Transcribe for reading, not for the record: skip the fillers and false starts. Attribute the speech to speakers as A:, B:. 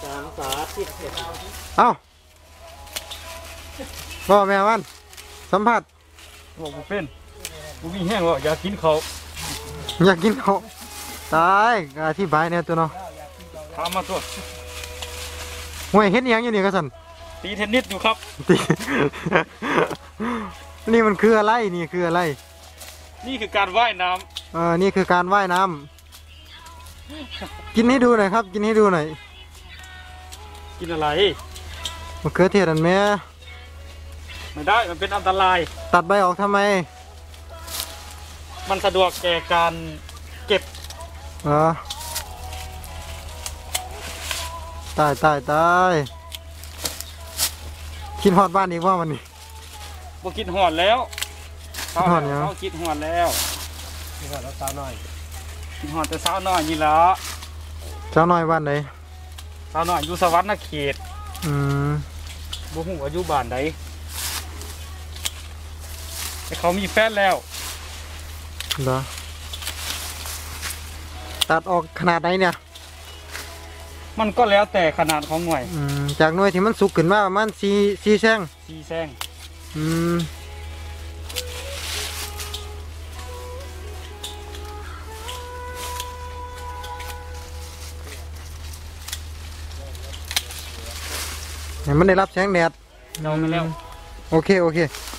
A: การสาธิต
B: เอ้าพ่อแม่วันสัมผัส
C: บอกกูเป็นกูมีแห้งว่าอยากกินเขา
B: อยากกินเขาตายอธิบายเนี่ยตัวเนาะ
C: ถามมาตัว
B: ห่วยเฮ็ดอิหยังอยู่นี่กระสัน
C: ตีเทนนิสอยู่ครับ
B: ตี นี่มันคืออะไรนี่คืออะไร
C: นี่คือการว่ายน้
B: นี่คือการว่ายน้ำกินให้ดูหน่อยครับ กินให้ดูหน่อย
C: ำกินอะไร
B: มะเขือเทศอันแม่
C: ไม่ได้มันเป็นอันตราย
B: ตัดใบออกทำไม
C: มันสะดวกแก่การเก็บ
B: ตายตายตายคิดฮอดบ้านอีกว่ามันนี่
C: บ่กินหอดแล้ว
B: กินฮอดยัง
C: เขากินหอดแล้ว
A: นี่ก่อนแล้วสาวน้อย
C: กินหอดแต่สาวน้อยนี่ละ
B: เจ้าน้อยบ้านไหน
C: สาวน้อยอยู่สวรรค์เขต
B: อืม
C: บ่ฮู้อายุบ้านใดแต่เขามีแฟนแล้ว
B: เหรอตัดออกขนาดไหนเนี่ย
C: มันก็แล้วแต่ขนาดของหน่วย
B: จากหน่วยที่มันสุกขึ้นมาประมาณสี่แซง
C: ซีแซง
B: อืมให้มันได้รับแสงแดด
C: เราไม่แล้ว
B: โอเค